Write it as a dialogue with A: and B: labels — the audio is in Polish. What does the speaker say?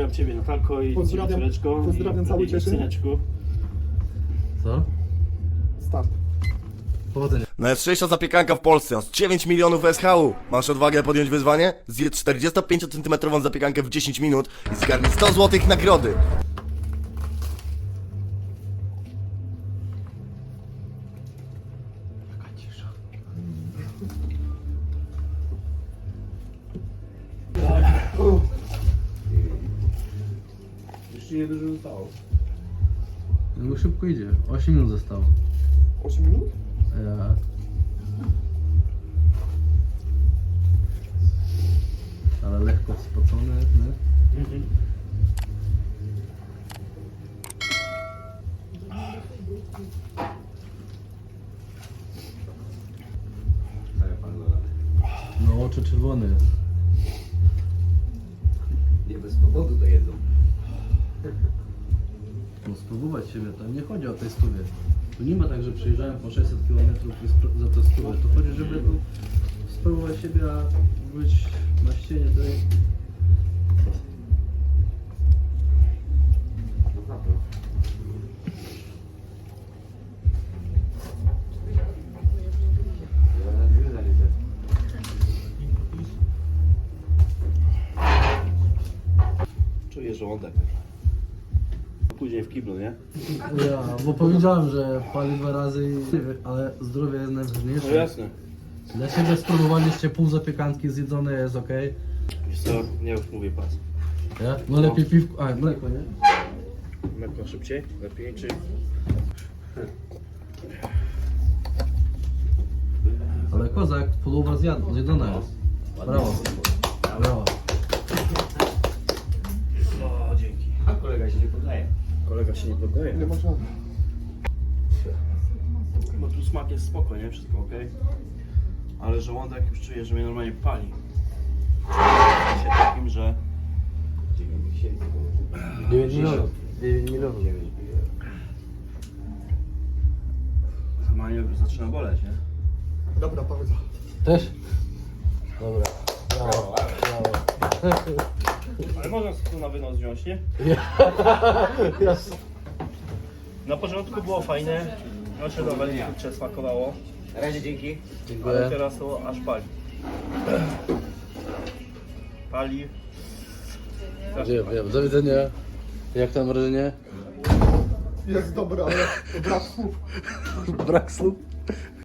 A: Pozdrawiam Ciebie, Natalko, i
B: Pozdrawiam,
A: córeczko,
B: pozdrawiam cały Cieszyn.
A: syneczku.
C: Co?
B: Start.
C: Powodzenia.
D: Najostrzejsza zapiekanka w Polsce, z 9 milionów SHU. Masz odwagę podjąć wyzwanie? Zjedz 45 cm zapiekankę w 10 minut i zgarnij 100 zł nagrody.
A: Jeszcze nie dużo zostało.
C: No szybko idzie. 8 minut zostało.
B: 8 minut?
C: Ja... Ale lekko spocone, nie? No oczy czerwone jest.
E: Nie bez powodu to jedzą.
C: No spróbować siebie, to nie chodzi o tej stówie. Tu nie ma tak, że przyjeżdżałem po 600 km i za to stówę. To chodzi, żeby tu spróbować siebie, a być na ścienie tej...
A: Czuję żołądek. Później w kiblu, nie?
C: Ja, bo powiedziałem, że pali 2 razy, ale zdrowie jest najważniejsze.
A: No jasne.
C: Dla siebie spróbowaliście pół zapiekanki zjedzone, jest ok.
A: Wiesz co, nie już mówię pas.
C: Ja? No lepiej piwko, a mleko, nie?
A: Mleko szybciej, lepiej, czy...
C: Ale kozak, połowa zjedzona jest. Brawo. Brawo.
A: O, dzięki.
E: A kolega się nie podaje.
A: Kolega się nie poddaje.
B: Nie ma żadnych.
A: Bo tu smak jest spoko, nie? Wszystko ok. Ale żołądek już czuję, że mnie normalnie pali. W sensie takim, że...
C: 9 milionów. 9 milionów.
A: Normalnie już zaczyna boleć, nie?
B: Dobra, pauza.
C: Też? Dobra. Brawo. Brawo.
A: Ale można tu na wynos wziąć, nie?
C: Jasne.
A: Na początku było fajne. Znaczy dobra, kurczę smakowało.
E: Na razie dzięki.
A: Ale
C: Dziękuję.
A: teraz to aż pali. Pali.
C: Wiem. Do widzenia. Jak tam wrażenie?
B: Jest dobra, ale brak słów.
C: Brak słów.